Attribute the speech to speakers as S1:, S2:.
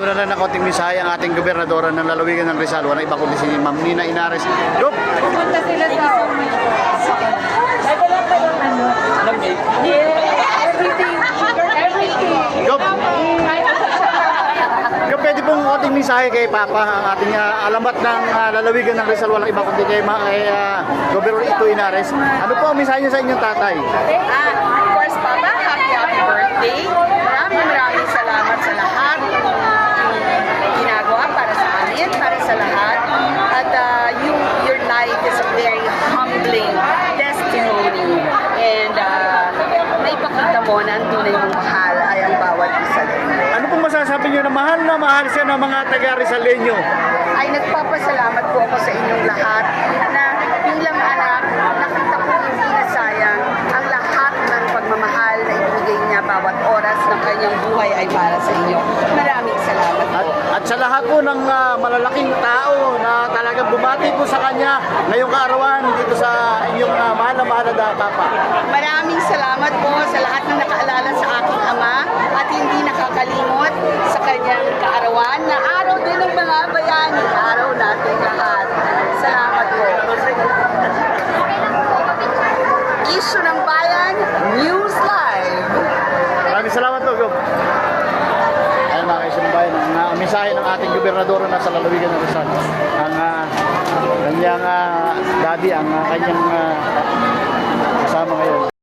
S1: na ng konting mensahe ang ating gobernadora ng lalawigan ng Rizal. Wala iba kundi si Ma'am Nina Inares. Yup!
S2: Pupunta sila sa Nagdala pa yung ano? Everything.
S1: Yup! Yup, pwede pong konting mensahe kay Papa ang ating alamat ng lalawigan ng Rizal. Walang iba kundi kay Gobernador Ito Inares. Ano po ang mensahe niyo sa inyong tatay?
S2: Of course, Papa, happy birthday. Maraming salamat sa lahat ng ginagawa para sa amin, para sa lahat. At your life is a very humbling testimony. And naipakita mo na ang tunay mong mahal ay ang bawat isa.
S1: Ano pong masasabi niyo na mahal siya ng mga taga-Rizaleño?
S2: Ay nagpapasalamat po ako sa inyong lahat na bilang anak, nakita ko hindi na sayang ang lahat ng pagmamahal na ibigay niya bawat oras ng kanyang buhay ay para sa inyo. Maraming salamat po.
S1: At sa lahat po ng malalaking tao na talagang bumati po sa kanya ngayong kaarawan dito sa inyong mahal na Papa.
S2: Maraming salamat po sa lahat ng nakaalala sa aking ama at hindi nakakalimot sa kanyang kaarawan na araw din ng mga bayani, araw natin lahat. Salamat po. Issue ng Bayan, News Live.
S1: Maraming salamat po, Gob. Ay mga kaisunong bayan, ang mensahe ng ating gobernador na sa lalawigan ng Rizal. Ang kanyang daddy, ang kanyang kasama ngayon.